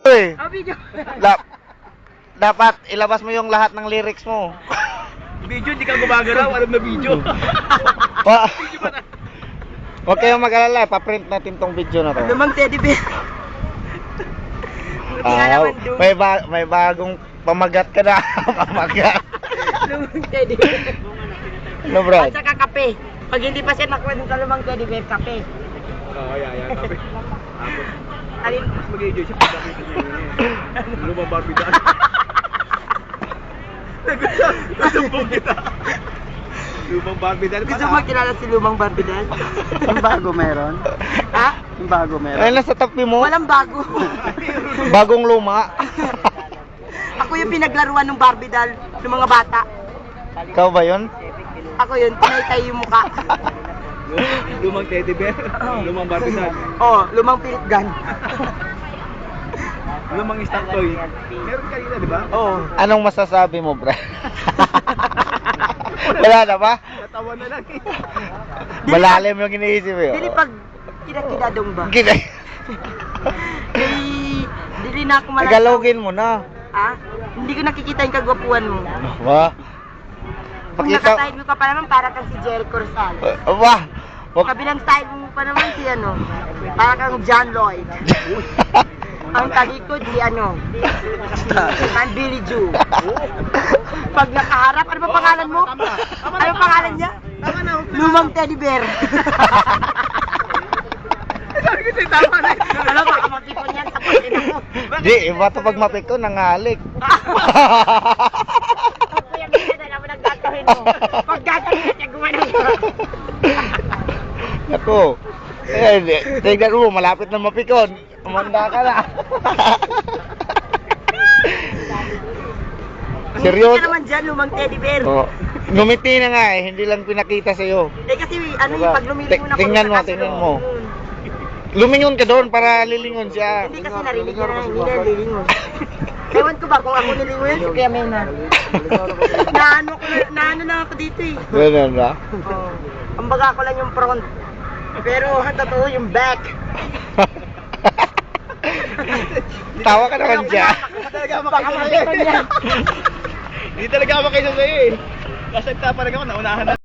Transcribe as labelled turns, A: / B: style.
A: eh.
B: Oh, video.
A: Dapat ilabas mo yung lahat ng lyrics mo.
C: Video, hindi ka gumagalaw. Alam na video.
A: Pa. Huwag kayong mag-alala, pa-print natin tong video na to.
B: Lumang teddy bear.
A: Ah, may bagong pamagat ka na. Pamagat.
B: Lumang teddy bear.
A: Ano, Brad?
B: At saka kape. Pag hindi pa siya nakuha sa lumang teddy bear, kape.
C: Oo, yeah. Tapos,
B: Alin?
C: mas mag-enjoy siya pag nakita niya yun. Lumang Barbie daan. Nagsumbong kita. Lumang Barbie daan.
B: Gusto mo kilala si Lumang Barbie Doll?
D: Yung bago meron?
B: Ha?
D: Yung bago meron?
A: Ay, nasa tabi mo.
B: Walang bago.
A: Bagong luma.
B: Ako yung pinaglaruan ng Barbie Doll ng mga bata.
A: Ikaw ba yun?
B: Ako yun, tinaytay yung muka.
C: Lumang teddy bear. Lumang Barbie daan.
B: Oh, lumang pilit gun.
C: Lumang stock toy. Meron kanina, di ba?
B: Oh.
A: Anong masasabi mo, Brad? Wala na ba?
C: Natawa na lang eh.
A: Malalim yung iniisip mo.
B: Dili pag kinakidadong ba?
A: Kinay.
B: Dili na ako malalaw.
A: Tagalogin mo na.
B: Ha? Hindi ko nakikita yung kagwapuan mo.
A: Ba?
B: Kung nakaside mo ka pa naman, para kang si Jerry Corsal.
A: Ba?
B: Kabilang side mo pa naman si ano, para kang John Lloyd. Ang talikod si ano, man Billy Joe. Pag nakaharap, ano ba pangalan mo? Ano pangalan niya? Lumang teddy bear.
C: Sabi ko sa'yo, tama na.
B: Ano ba, kamapipon yan sa pagkina mo?
A: Di, iba to pag mapiko, nangalik.
B: Kuya, minsan na naman ang gagawin mo. Pag gagawin ka, siya gumanon ka.
A: Ako. Eh, tignan mo, malapit na mapikon. Umanda ka na.
B: Seryoso? Ka naman dyan, lumang teddy bear.
A: Oh. Ngumiti na nga eh, hindi lang pinakita sa'yo.
B: Eh kasi ano
A: Diba?
B: yung pag lumilingon ako.
A: Tingnan mo,
B: sa kaso
A: tingnan
B: doon.
A: mo. Lumingon ka doon para lilingon siya.
B: Hindi kasi narinig niya na hindi na lilingon. Ewan ko ba kung ako nilingon yan, si Kuya Mena. Naano na ako dito eh.
A: Ganun ba?
B: Oh. Ang baga ko lang yung front. Pero ang totoo yung back.
A: Tawa ka naman siya.
B: Baka makita niya.
C: Hindi talaga ako kayo sa'yo eh. Kasagta pa rin ako, naunahan na.